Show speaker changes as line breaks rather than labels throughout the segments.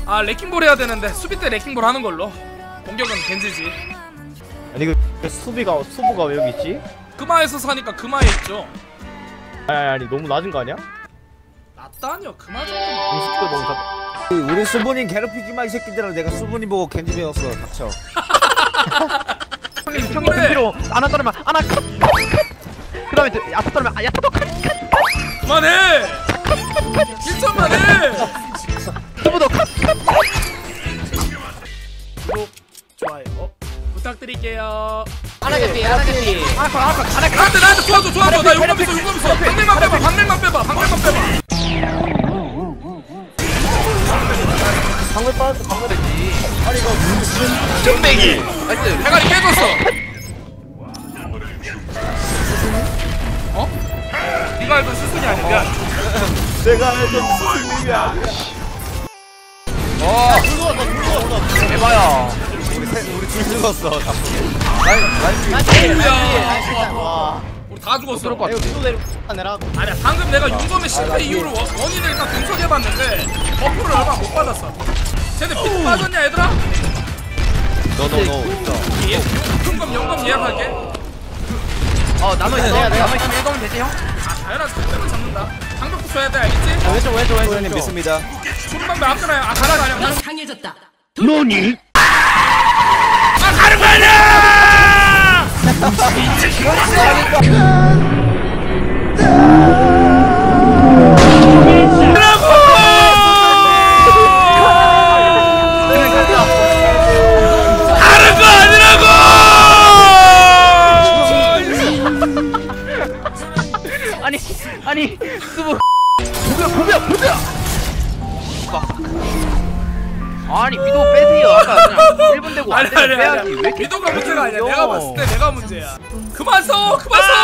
아 레킹볼 해야 되는데 수비 때 레킹볼 하는 걸로. 공격은 겐지지.
아니 그 수부가 왜 여기 있지?
금화에서 사니까 금화에 있죠.
아니 너무 낮은 거 아니야?
낮다니요. 금화 정도.
인식도 너무 낮.
우리 수분이 괴롭히지 마 이 새끼들아. 내가 수분이 보고 겐지 배웠어. 닥쳐.
형님 필요 안아 떨면 안아 컷. 그 다음에 야타 떨면 야타도 컷.
그만해. 1점만 해.
수부도 컷.
구독 좋아요 부탁드릴게요.
하나겠지.
나한테 도와줘. 나 용감 있어. 방밀만 빼봐.
방울 빠졌어. 방울 되지.
아니 이거
쫀배기.
나이스. 대가리 깨졌어. 어? 네가 알던 스승이 아니야.
내가 알던 수분이야.
대박이야.
우리 둘 죽었어.
와.
우리 다 죽었어.
이거 수도 내라.
아니야 방금 내가 용검의 실패 이후로 원인을 일단 분석해봤는데 버프를 얼마 못 받았어. 쟤네 피트 빠졌냐 얘들아?
너너 있어.
용검 예약할게.
남아있어. 내가 남아있으면 1검은 되지 형?
아 당연하지. 상대는 잡는다. 방벽도 줘야 돼 알겠지?
왼쪽
소연님 믿습니다.
소리만 왜 아껴놔요. 아 가라 가냐.
강해졌다.
너니?
아 가는 거 아니야!
아니 수부 보벼 아니 위도 빼세요. 아까 그냥 1분 되고 안 되면 빼야지. 왜 이렇게
위도가 문제가 아니야. 내가 봤을 때 내가 문제야. 그만 써.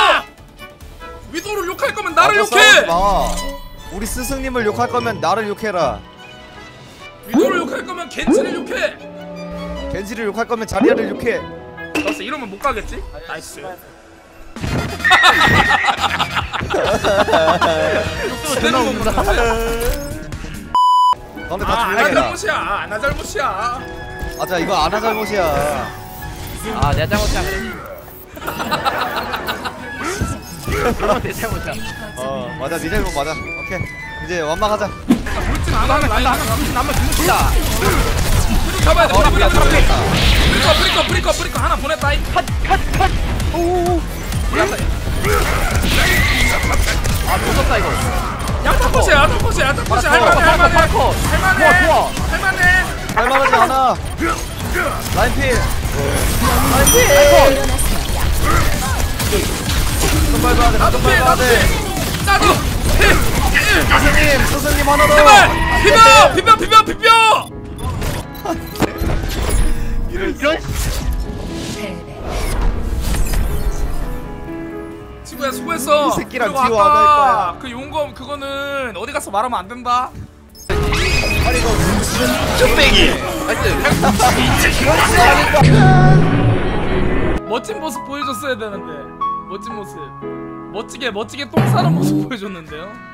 위도를 욕할 거면 나를 욕해.
우리 스승님을 욕할 거면 나를 욕해라.
위도를 욕할 거면 겐지를 욕해.
겐지를 욕할 거면 자리아를 욕해.
알았어. 이러면 못 가겠지? 나이스.
존나 웃는다.
너네
아,
다
아나
조용해라.
잘못이야. 아나 잘못이야.
맞아 이거 아나 잘못이야.
아 내가 잘못이야. 그러면 내 잘못이야.
맞아 니 잘못 맞아. 오케이 이제 완막하자.
물진 안 하면 라인
남아 죽는다.
프리커 잡아야 돼. 프리커 하나 보냈다.
컷. 오오오. 아 죽었다 이거.
야타코시야. 할만해.
좋아.
할만하지 않아. 라인필. 좀 밟아야 돼.
나도
스승님 하나 더.
제발 비벼.
이런
친구야 수고했어.
이 새끼랑
그리고
듀오 안할
아까
거야.
그 용검 그거는 어디 가서 말하면 안 된다.
아니 이거
쫀배기.
멋진 모습 보여줬어야 되는데. 멋진 모습. 멋지게 똥 싸는 모습 보여줬는데요.